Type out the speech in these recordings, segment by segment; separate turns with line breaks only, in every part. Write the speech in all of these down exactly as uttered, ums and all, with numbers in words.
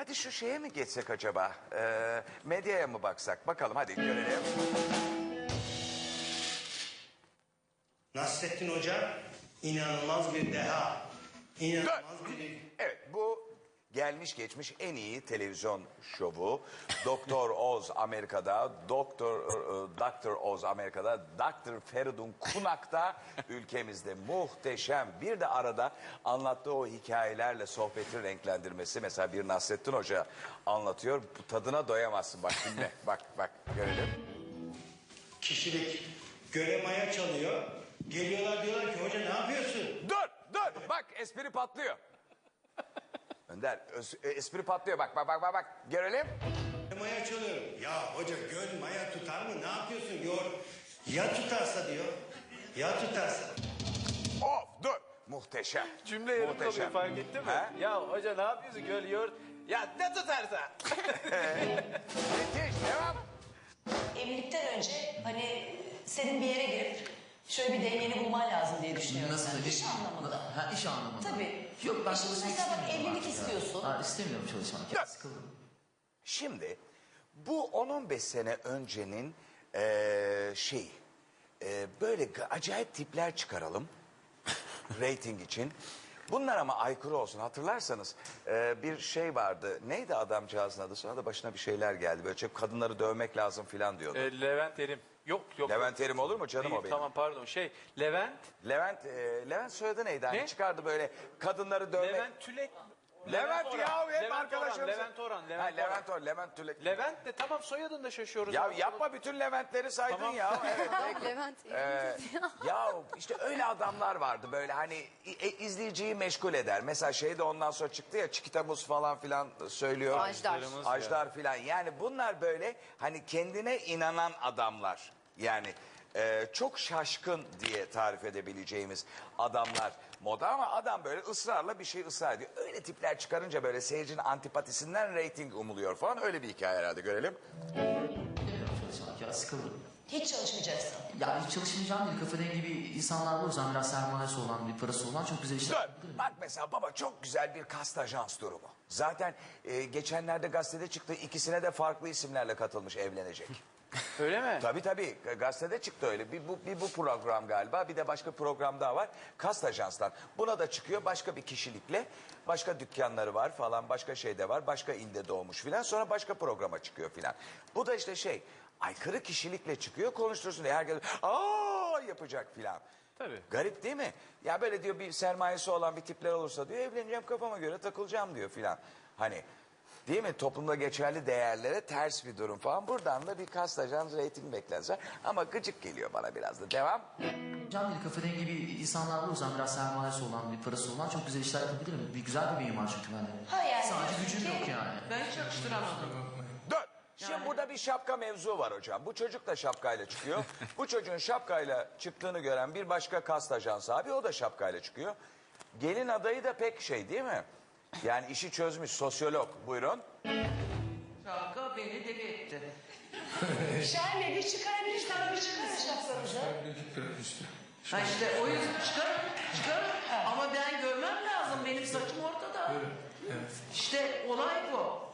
Hadi şu şeye mi geçsek acaba? Ee, medyaya mı baksak? Bakalım hadi görelim.
Nasrettin Hoca inanılmaz bir deha. İnanılmaz bir...
Evet, bu gelmiş geçmiş en iyi televizyon şovu. Doktor Oz Amerika'da, Doktor Doktor Oz Amerika'da, Doktor Feridun Kunak'ta ülkemizde muhteşem. Bir de arada anlattığı o hikayelerle sohbeti renklendirmesi. Mesela bir Nasrettin Hoca anlatıyor. Bu tadına doyamazsın. Bak dinle. Bak bak görelim.
Kişilik göle maya çalıyor. Geliyorlar diyorlar ki hoca ne yapıyorsun?
Dur dur bak espri patlıyor. Önder öz- espri patlıyor bak bak bak bak bak görelim.
Maya çalıyorum. Ya hoca göl maya tutar mı? Ne yapıyorsun? Yor. Ya tutarsa diyor. Ya tutarsa.
Of dur muhteşem.
Cümle yarım
Muhteşem.
kalıyor fark ettin mi?
Ha?
Ya hoca ne yapıyorsun göl yoğurt? Ya ne tutarsa.
Müthiş devam.
Evlilikten önce hani senin bir yere girip şöyle bir dengeni bulman lazım diye düşünüyorum.
Nasıl
ben.
bir
İş anlamında.
Ha iş anlamında.
Tabii.
Yok ben
İş-
çalışmak
mesela bak,
istemiyorum.
evlilik
artık ya.
istiyorsun.
Ha, istemiyorum çalışmak. Ya,
Dur.
sıkıldım.
Şimdi bu on on beş sene öncenin eee şey eee, böyle g- acayip tipler çıkaralım rating için. Bunlar ama aykırı olsun. Hatırlarsanız eee, bir şey vardı. Neydi adamcağızın adı? Sonra da başına bir şeyler geldi. Böyle çok kadınları dövmek lazım filan diyordu.
E, Levent Erim. Yok yok.
Levent Erim olur mu canım
Değil,
o benim?
tamam pardon şey Levent.
Levent eee, Levent soyadı neydi? Hani
Ne?
çıkardı böyle kadınları dövmek.
Levent Tülek.
Levent
Orhan.
ya hep
Levent
arkadaşımız.
Orhan, Levent Orhan.
Ha,
Levent,
Levent Orhan. Levent Tülek.
Levent de tamam soyadını da şaşıyoruz.
Ya
abi.
yapma bütün Leventleri saydın
Tamam.
ya. Evet.
Adam Levent.
Ee, ya işte öyle adamlar vardı böyle hani e, izleyiciyi meşgul eder. Mesela şey de ondan sonra çıktı ya Çikita Muz falan filan söylüyor.
Ajdar.
Ajdar filan. Yani bunlar böyle hani kendine inanan adamlar. Yani e, çok şaşkın diye tarif edebileceğimiz adamlar moda ama adam böyle ısrarla bir şey ısrar ediyor. Öyle tipler çıkarınca böyle seyircinin antipatisinden reyting umuluyor falan öyle bir hikaye herhalde görelim.
İstemiyorum çalışmak ya sıkıldım.
Hiç çalışmayacaksın.
Ya hiç çalışmayacağım değil. Kafa dengi bir insanlar var. O yüzden biraz sermayesi olan, bir parası olan çok güzel işler
Dur.
yapabilirim.
Bak mesela baba çok güzel bir kast ajans durumu. Zaten e, geçenlerde gazetede çıktı ikisine de farklı isimlerle katılmış evlenecek.
Öyle mi?
Tabii tabii gazetede çıktı öyle. Bir bu, bir bu program galiba bir de başka program daha var. Kast ajanstan. Buna da çıkıyor başka bir kişilikle. Başka dükkanları var falan başka şey de var. Başka ilde doğmuş filan sonra başka programa çıkıyor filan. Bu da işte şey aykırı kişilikle çıkıyor konuştursun diye herkes aa yapacak filan.
Tabii.
Garip değil mi? Ya böyle diyor bir sermayesi olan bir tipler olursa diyor evleneceğim kafama göre takılacağım diyor filan. Hani değil mi? Toplumda geçerli değerlere ters bir durum falan. Buradan da bir kast ajans reyting beklense. Ama gıcık geliyor bana biraz da. Devam.
Can değil. Kafa dengi bir insanlar var. O yüzden biraz sermayesi olan, bir parası olan çok güzel işler yapabilirim. Bir güzel bir beyin var çünkü bende.
Ha yani
Sadece
diyorsun
gücüm
ki-
yok yani.
Ben hiç yakıştıramadım.
Dur. Şimdi burada bir şapka mevzu var hocam. Bu çocuk da şapkayla çıkıyor. Bu çocuğun şapkayla çıktığını gören bir başka kast ajansı abi o da şapkayla çıkıyor. Gelin adayı da pek şey değil mi? Yani işi çözmüş sosyolog. Buyurun.
Şapka beni deli etti.
Şahin Bey bir çıkarabiliriz tabii bir çıkarın şapkanızı.
Ha işte o yüzden çıkarım, çıkarım. Ama ben görmem lazım. Benim saçım ortada. İşte olay bu.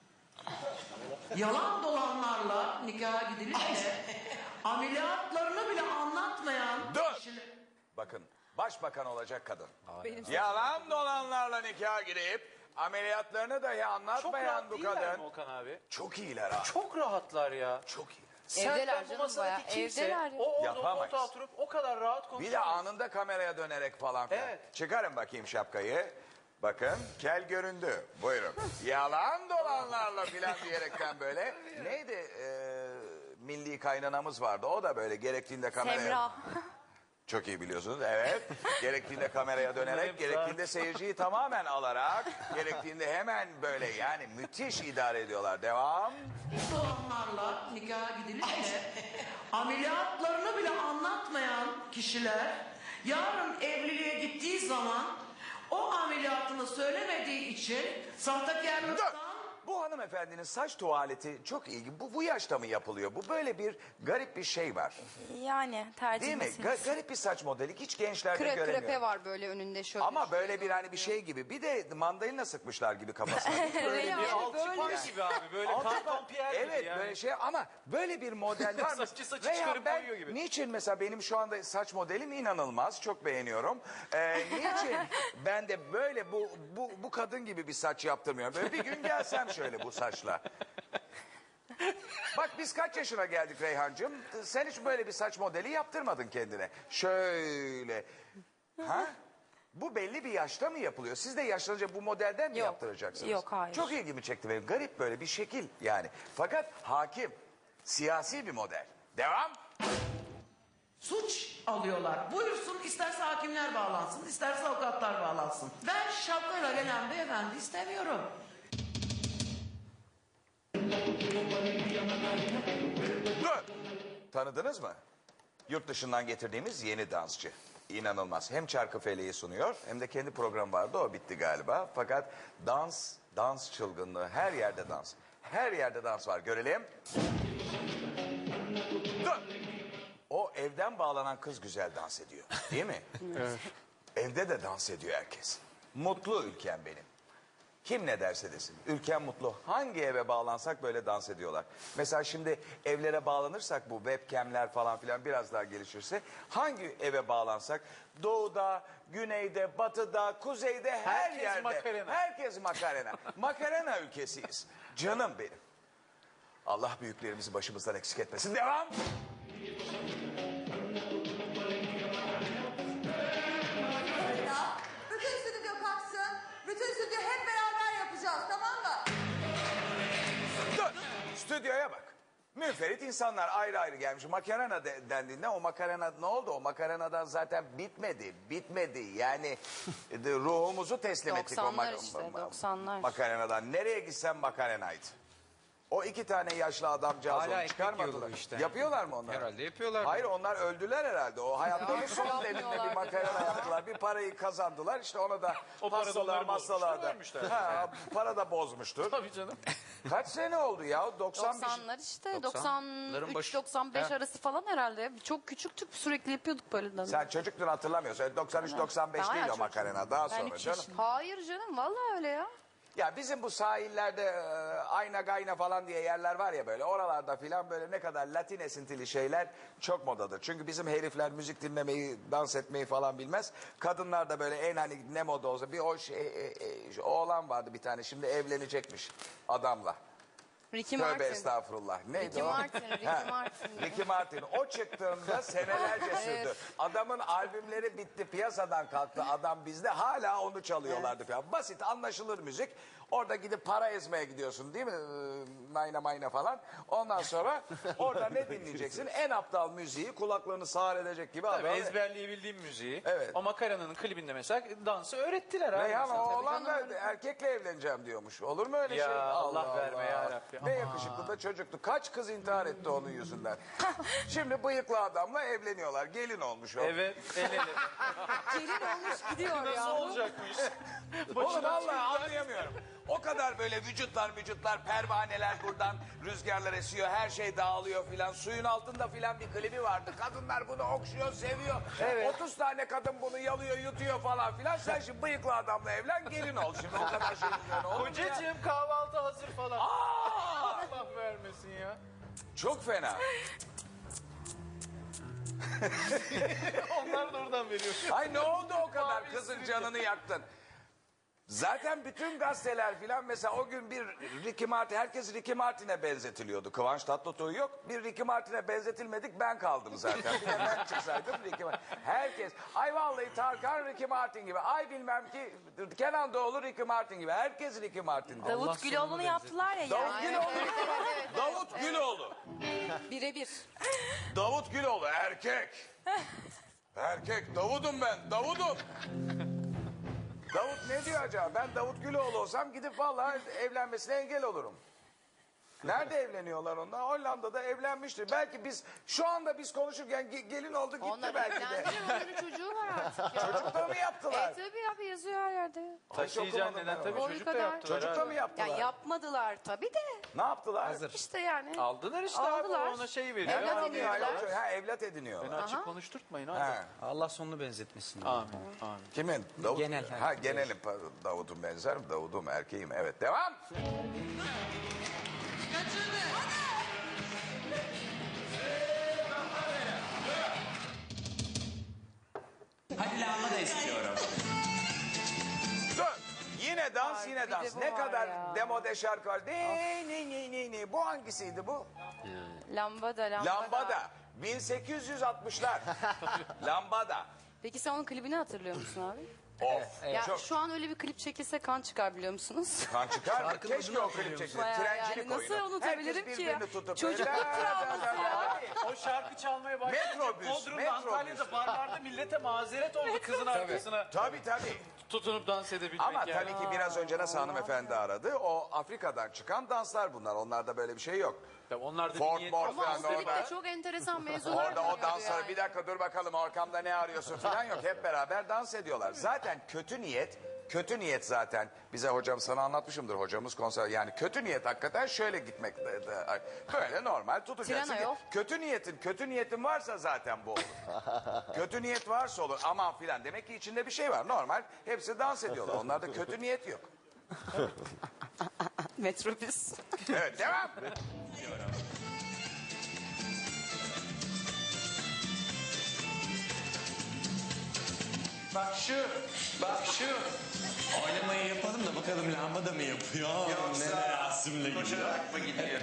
Yalan dolanlarla nikaha gidilirse ameliyatlarını bile anlatmayan
Dur.
kişiler...
Bakın başbakan olacak kadın.
Benim
Yalan dolanlarla nikah girip ameliyatlarını dahi
Çok
anlatmayan
rahat
bu
değiller
kadın.
mi Okan abi?
Çok iyiler ha.
Çok rahatlar ya.
Çok iyiler.
Evdeler
Sen bu
canım
masadaki
bayağı,
kimse
evdeler ya.
o orada o
Yapamayız.
koltuğa oturup o kadar rahat konuşuyor.
Bir de anında kameraya dönerek falan filan.
Evet.
Çıkarın bakayım şapkayı. Bakın kel göründü. Buyurun. Yalan dolanlarla filan diyerekten böyle. Neydi? Ee, milli kaynanamız vardı. O da böyle gerektiğinde kameraya...
Semra.
Çok iyi biliyorsunuz. Evet. Gerektiğinde kameraya dönerek,
hep
gerektiğinde seyirciyi tamamen alarak, gerektiğinde hemen böyle yani müthiş idare ediyorlar. Devam.
dolanlarla nikaha gidilirse ameliyatlarını bile anlatmayan kişiler yarın evliliğe gittiği zaman o ameliyatını söylemediği için sahtekarlıktan
bu hanımefendinin saç tuvaleti çok ilginç. Bu, bu yaşta mı yapılıyor? Bu böyle bir garip bir şey var.
Yani tercih
Değil mi?
meselesi.
Ga- garip bir saç modeli. Hiç gençlerde
Kre,
göremiyorum.
krepe var böyle önünde şöyle.
Ama böyle bir hani bir şey gibi. Bir de mandalina sıkmışlar gibi kafasına. Böyle
Yani
bir
Alçıpan
böyle-
gibi abi. Böyle
Alçıpan-
karton Pierre gibi
Evet
yani.
böyle şey ama böyle bir model var mı?
Saçı saçı
Veya
çıkarıp
ben
koyuyor gibi.
niçin mesela benim şu anda saç modelim inanılmaz. Çok beğeniyorum. Ee, niçin ben de böyle bu, bu, bu kadın gibi bir saç yaptırmıyorum. Böyle bir gün gelsem şöyle bu saçla. Bak biz kaç yaşına geldik Reyhancığım? Sen hiç böyle bir saç modeli yaptırmadın kendine. Şöyle. Ha? Bu belli bir yaşta mı yapılıyor? Siz de yaşlanınca bu modelden mi
Yok.
yaptıracaksınız?
Yok, hayır.
Çok ilgimi çekti benim. Garip böyle bir şekil yani. Fakat hakim. Siyasi bir model. Devam.
Suç alıyorlar. Buyursun, isterse hakimler bağlansın, isterse avukatlar bağlansın. Ben şapkayla gelen beyefendi istemiyorum.
Dur. Tanıdınız mı? Yurt dışından getirdiğimiz yeni dansçı. İnanılmaz. Hem Çarkıfele'yi sunuyor hem de kendi programı vardı. O bitti galiba. Fakat dans, dans çılgınlığı. Her yerde dans. Her yerde dans var. Görelim. Dur. O evden bağlanan kız güzel dans ediyor. Değil mi? Evet. Evde de dans ediyor herkes. Mutlu ülkem benim. Kim ne derse desin. Ülkem mutlu. Hangi eve bağlansak böyle dans ediyorlar. Mesela şimdi evlere bağlanırsak bu webcamler falan filan biraz daha gelişirse hangi eve bağlansak doğuda, güneyde, batıda, kuzeyde her
Herkes
yerde.
Macarena.
Herkes makarena. Makarena ülkesiyiz. Canım benim. Allah büyüklerimizi başımızdan eksik etmesin. Devam.
Bütün stüdyo kalksın. Bütün stüdyo hep beraber yapacağız, tamam mı?
Dur. Stüdyoya bak. Müferit insanlar ayrı ayrı gelmiş. Makarena de, dendiğinde o makarena ne oldu? O makarenadan zaten bitmedi. Bitmedi. Yani de, ruhumuzu teslim ettik o
doksanlar
mak-
işte,
ma-
doksanlar.
makarenadan. Nereye gitsem makarenaydı. O iki tane yaşlı adamcağız
Hala
onu
ekmek
çıkarmadılar.
yiyorlar işte.
Yapıyorlar mı onlar?
Herhalde yapıyorlar.
Hayır onlar öldüler herhalde. O hayatlarının son
yapmıyorlar
deminde bir makarena yaptılar. Bir parayı kazandılar. İşte ona da
O para da
hastalar
onları bozmuştur,
masalar da.
vermişler.
Ha, para da bozmuştur.
Tabii canım.
Kaç sene oldu ya? doksan bir-
doksanlar işte
doksanların
doksan üç
başı.
doksan beş
He.
arası falan herhalde. Çok küçüktük sürekli yapıyorduk böyle dans.
Sen çocuktun hatırlamıyorsun. doksan üç doksan beş
Daha
değil o
çocuk.
makarena. Daha
Ben
sonra
üç
canım.
yaşındayım. Hayır canım vallahi öyle ya.
Ya bizim bu sahillerde e, ayna gayna falan diye yerler var ya böyle. Oralarda filan böyle ne kadar Latin esintili şeyler çok modadır. Çünkü bizim herifler müzik dinlemeyi, dans etmeyi falan bilmez. Kadınlar da böyle en hani ne moda olsa bir o şey, e, e, oğlan vardı bir tane şimdi evlenecekmiş adamla.
Ricky
Tövbe
Martin.
estağfurullah. Neydi
Ricky
o?
Martin, Ricky
Ha,
Martin.
Ricky Martin. O çıktığında senelerce sürdü. Adamın albümleri bitti, piyasadan kalktı. Adam bizde hala onu çalıyorlardı falan. Basit, anlaşılır müzik. Orada gidip para ezmeye gidiyorsun değil mi? Ee, Nayna mayna falan. Ondan sonra orada ne dinleyeceksin? En aptal müziği kulaklarını sağır edecek gibi
Tabii
adam.
ezberleyebildiğim müziği.
Evet.
O makaranın klibinde mesela dansı öğrettiler abi.
Reyhan
Mesela.
o oğlan da erkekle evleneceğim diyormuş. Olur mu öyle
Ya
şey?
Allah verme yarabbi.
Ne yakışıklı da çocuktu. Kaç kız intihar etti onun yüzünden. Şimdi bıyıklı adamla evleniyorlar. Gelin olmuş o.
Evet el ele.
Gelin olmuş gidiyor
Nasıl
ya.
olacakmış?
Oğlum vallahi anlayamıyorum. O kadar böyle vücutlar vücutlar pervaneler buradan rüzgarlar esiyor her şey dağılıyor filan suyun altında filan bir klibi vardı kadınlar bunu okşuyor seviyor otuz tane kadın bunu yalıyor yutuyor falan filan sen şimdi bıyıklı adamla evlen gelin ol şimdi o kadar şey üzerine olur mu ya?
Kocacığım kahvaltı hazır falan.
Aa!
Allah vermesin ya.
Çok fena.
Onlar da oradan veriyor.
Ay ne oldu o kadar
Mavi
kızın
stüdyo.
canını yaktın. Zaten bütün gazeteler filan mesela o gün bir Ricky Martin, herkes Ricky Martin'e benzetiliyordu. Kıvanç Tatlıtuğ yok. Bir Ricky Martin'e benzetilmedik ben kaldım zaten. Bir de ben çıksaydım Ricky Martin. Herkes ay vallahi Tarkan Ricky Martin gibi. Ay bilmem ki Kenan Doğulu Ricky Martin gibi. Herkes Ricky Martin.
Davut Güloğlu'nu yaptılar ya.
Davut
yani.
Güloğlu. Davut Güloğlu.
Birebir.
Davut Güloğlu erkek. Erkek Davud'um ben. Davud'um. Davut ne diyor acaba? Ben Davut Güloğlu olsam gidip vallahi evlenmesine engel olurum. Nerede evleniyorlar onlar? Hollanda'da evlenmiştir. Belki biz şu anda biz konuşurken ge- gelin oldu gitti
Onlar
belki de.
evlendiler, onların çocuğu var artık ya.
Çocuk da mı yaptılar?
E tabii abi yazıyor her yerde.
Taşıyacaksın
okumadım
neden
ben
tabii
onu.
çocuk da
Boyu kadar.
yaptılar.
Çocuk da
abi.
mı yaptılar?
Ya yapmadılar tabii de.
Ne yaptılar?
İşte yani.
Aldılar işte
Aldılar.
abi ona şey veriyor.
Evlat
Abi,
ediniyorlar.
yani.
Ha, evlat ediniyorlar.
Beni açık
Aha.
konuşturtmayın
Ha.
abi.
Allah sonunu benzetmesin.
Amin. Amin.
Kimin? Davut.
Genel,
Ha
herkes.
genelim. Pardon, Davut'un benzer mi? Davut'um erkeğim. Evet devam.
Hadi lamba da istiyorum.
Dur. Yine dans
Ay,
yine
bir
dans.
de bu
Ne
var
kadar
ya.
demode şarkı var. Ne ne ne ne ne. Bu hangisiydi bu?
Lambada, lambada.
Lambada. bin sekiz yüz altmışlar. Lambada.
Peki sen onun klibini hatırlıyor musun abi?
Of.
Ya
Çok
şu an öyle bir klip çekilse kan çıkar biliyor musunuz?
kan çıkar mı?
Şarkının
Keşke
adını
o klip
hatırlıyor
çekilse.
Bayağı
Trencilik
yani nasıl
oyunu.
unutabilirim
Herkes
ki?
birbirini tutup.
Çocukluk
böyle-
travması ya.
O şarkı çalmaya başlayınca
Metrobüs,
Bodrum'da,
metrobüs.
Antalya'da barlarda millete mazeret oldu kızın arkasına
Tabii tabii.
tutunup dans edebilmek
Ama
yani.
tabii ki biraz önce nasıl hanımefendi aradı. O Afrika'dan çıkan danslar bunlar. Onlarda böyle bir şey yok.
Tabii onlar da
Ford,
bir niyet
Ford
Ama
falan
o klipte
orada.
çok enteresan mevzular
Orada o
dönüyordu
dansları
yani.
bir dakika dur bakalım arkamda ne arıyorsun falan yok. Hep beraber dans ediyorlar. Zaten kötü niyet, kötü niyet zaten bize hocam sana anlatmışımdır hocamız konser. Yani kötü niyet hakikaten şöyle gitmek. de- de- Böyle normal tutacaksın.
Tren ayol.
Kötü niyetin, kötü niyetin varsa zaten bu olur. Kötü niyet varsa olur aman filan. Demek ki içinde bir şey var. Normal hepsi dans ediyorlar. Onlarda kötü niyet yok.
Metrobüs.
Evet devam.
Bak şu, bak şu. Oynamayı yapalım da bakalım lamba da mı yapıyor? Yoksa ne Rasim'le koşarak mı gidiyor?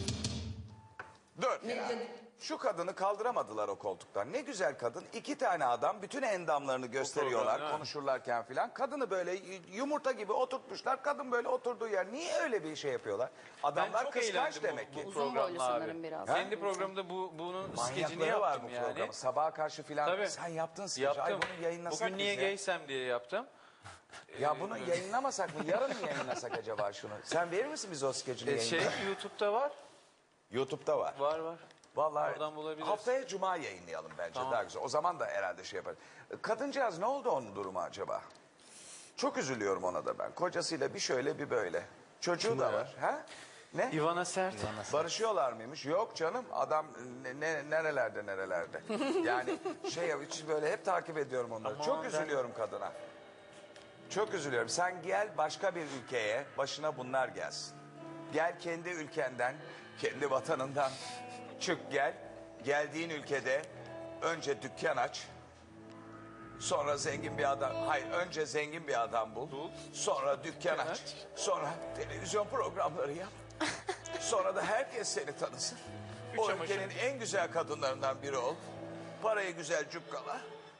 Dur. Şu kadını kaldıramadılar o koltuktan. Ne güzel kadın. İki tane adam bütün endamlarını gösteriyorlar
program,
konuşurlarken filan. Kadını böyle yumurta gibi oturtmuşlar. Kadın böyle oturduğu yer. Niye öyle bir şey yapıyorlar? Adamlar
çok
kıskanç
eğlendim
demek
bu-
ki.
bu
Uzun boylu
programla abi.
sanırım biraz.
Kendi programda bu bunun skecini
Manyakları var
yaptım
bu
yani.
programı. Sabaha karşı filan
Tabii.
sen yaptın skeci. Ay
Yaptım.
bunu yayınlasak
Bugün niye
biz ya.
geysem diye yaptım.
Ya bunu yayınlamasak mı? Yarın mı yayınlasak acaba şunu? Sen verir misin bize o skecini
E, şey
yayınlamaya?
YouTube'da var.
YouTube'da var.
Var var.
Vallahi
Oradan bulabiliriz.
haftaya cuma yayınlayalım bence
Tamam.
daha güzel. O zaman da herhalde şey yaparız. Kadıncağız ne oldu onun durumu acaba? Çok üzülüyorum ona da ben. Kocasıyla bir şöyle bir böyle. Çocuğu da var. Ha? Ne?
Ivana Sert.
Barışıyorlar mıymış? Yok canım. Adam ne, ne- nerelerde nerelerde. Yani şey hiç böyle hep takip ediyorum onları.
Aman
Çok
ben-
üzülüyorum kadına. Çok üzülüyorum. Sen gel başka bir ülkeye başına bunlar gelsin. Gel kendi ülkenden, kendi vatanından çık gel. Geldiğin ülkede önce dükkan aç. Sonra zengin bir adam, hayır önce zengin bir adam bul. Sonra dükkan aç. Sonra televizyon programları yap. Sonra da herkes seni tanısın. O
çamaşır.
ülkenin en güzel kadınlarından biri ol. Parayı güzel cukkala.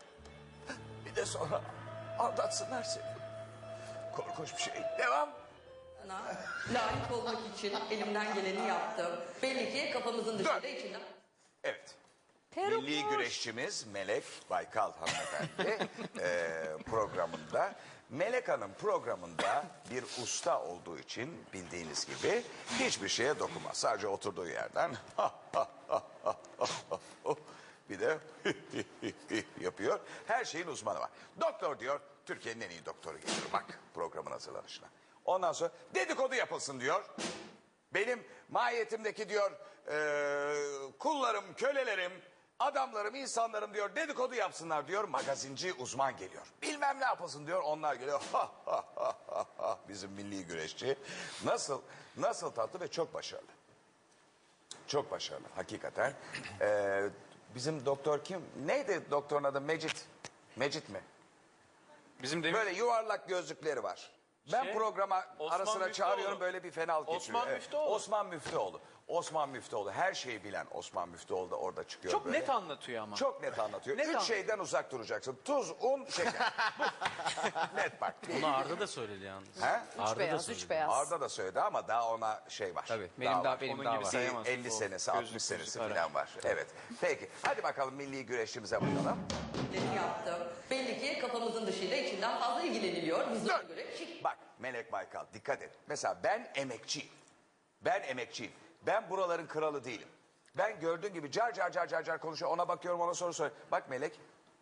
Bir de sonra aldatsınlar seni. Korkunç bir şey. Devam.
Layık olmak için elimden geleni yaptım. Belli ki kafamızın dışında içinden.
Evet.
Peruk
Milli
var.
güreşçimiz Melek Baykal hanımefendi eee, programında. Melek Hanım programında bir usta olduğu için bildiğiniz gibi hiçbir şeye dokunmaz. Sadece oturduğu yerden bir de yapıyor. Her şeyin uzmanı var. Doktor diyor, Türkiye'nin en iyi doktoru geliyor. Bak programın hazırlanışına. Ondan sonra dedikodu yapılsın diyor. Benim mahiyetimdeki diyor eee, kullarım, kölelerim, adamlarım, insanlarım diyor dedikodu yapsınlar diyor. Magazinci uzman geliyor. Bilmem ne yapılsın diyor. Onlar geliyor. Ha, ha, ha, ha, ha. Bizim milli güreşçi. Nasıl, nasıl tatlı ve çok başarılı. Çok başarılı hakikaten. Eee, bizim doktor kim? Neydi doktorun adı? Mecit. Mecit mi?
Bizim de
Böyle yuvarlak gözlükleri var. Ben
Şey,
programa
Osman
ara sıra
Müftüoğlu.
çağırıyorum böyle bir fenalık
Osman
geçiriyor. Evet.
Müftüoğlu.
Osman Müftüoğlu. Osman Müftüoğlu. Her şeyi bilen Osman Müftüoğlu da orada çıkıyor
çok
böyle.
net anlatıyor ama.
Çok net anlatıyor.
Net
Üç
anlatıyor.
şeyden uzak duracaksın. Tuz, un, şeker. Bu. Net bak.
Bunu Arda da söyledi yalnız.
He?
Üç
Arda da
beyaz,
söyledi.
üç beyaz.
Arda da söyledi ama daha ona şey var.
Tabii, benim daha-
var.
benim
Onun
daha
gibi
var.
sayamazsın.
elli
O
senesi,
gözlük
altmış senesi
gözlük
falan var. Evet. Peki. Hadi bakalım milli güreşçimize bakalım.
yaptım. Belli ki kafamızın dışında içinden fazla ilgileniliyor. Biz de ona
Dur.
göre şık.
Bak Melek Baykal dikkat et. Mesela ben emekçiyim. Ben emekçiyim. Ben buraların kralı değilim. Ben gördüğün gibi car car car car car konuşuyor. Ona bakıyorum, ona soru soruyor. Bak Melek.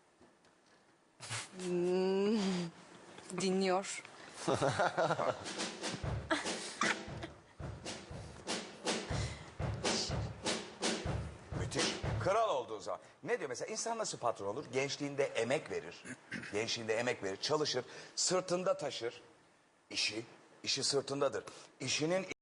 Dinliyor.
Müthiş. Kral olduğu zaman. Ne diyor mesela? İnsan nasıl patron olur? Gençliğinde emek verir. Gençliğinde emek verir. Çalışır. Sırtında taşır. İşi. İşi sırtındadır. İşinin